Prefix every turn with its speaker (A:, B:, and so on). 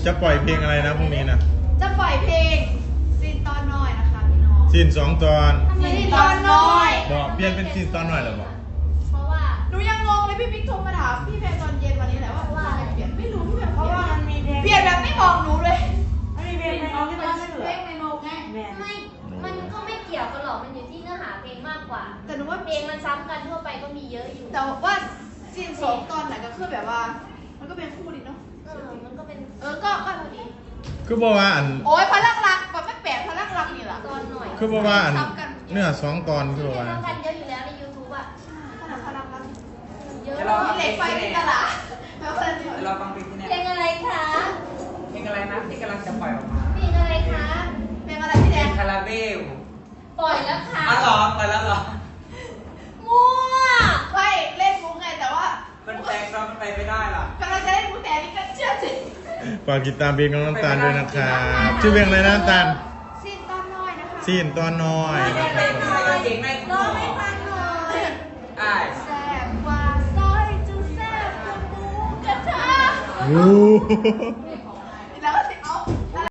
A: จะปล่อยเพลงอะไรนะพรุ่งนี้นะ
B: จะปล่อยเพลงซีนตอนน้อยนะคะพี่น้อง
A: ซีน2 ตอน
B: ซีนตอนน้อย
A: บอกเปลี่ยนเป็นซีนตอนน้อยหรอบอก
B: เพราะว่าหนูยังงงเลยพี่บิ๊กโทรมาถามพี่แพรตอนเย็นวันนี้แหละว่าเปลี่ยนไม่รู้พี่แพรเพราะว่ามันมีเปลี่ยนแบบไม่บอกหนูเลย
C: มันมีเพลงในโน้ตที่มันเหลือ
B: เพลงในโน้ตไง
D: ไม่มันก็ไม่เกี่ยวกันหรอกมันอยู่ที่เนื้อหาเพลงมากกว่า
B: แต่หนูว่า
D: เพลงมันซ้ำกันทั่วไปก็มีเยอะอยู่
B: แต่ว่าซีน2 ตอนไหนก็คือแบบว่ามันก็เป็นคู่ดีเนาะ
D: มันก็เป็น
B: ก็พอดี
A: คือบอกว่าอัน
B: โอ้ยพลังรักแบบไม่แปลกพลังรักนี่แหละ
D: ตอนหน่อย
A: คือบอกว่าอันเนื้อ2 ตอนคือบอกว่า
D: ซ้ำกันเยอะอยู่แล้วใน YouTube อ่ะ
B: ขนาดพลังรัก
D: เยอะ
B: มีเหล็กไฟในตลาด
C: เราฟังเพลงที่นี่
D: เพลงอะไรคะ
C: เพลงอะไรนะที่กำลังจะปล่อยออกมา
D: เพลงอะไรคะ
B: เพลงอะไรพี่แดง
C: คาราเบล
D: ปล่อยแล้วค่ะ
C: อ๋อเหรอปล่อยแล้วเหรอ
D: มั่ว
B: ไม่เล่นมุกไงแต่ว่า
C: มันแปลงเรามันไปไม่ได้หร
B: อกำลังจะเล่นมุกแต่นี่ก็เชื่อสิ
A: ฝากติดตามเพลงของน้ำตาลด้วยนะครับชื่อเพลงอะไรนะน้ำตาล
B: ซีนตอนน้อยนะคะ
A: ซีนตอนน้อย
C: เก่งในคุณ
B: ร้องให้ฟังหน่อยแซ่บกว่าซอยจุ๊แซ่บกว่าหมูกระทะ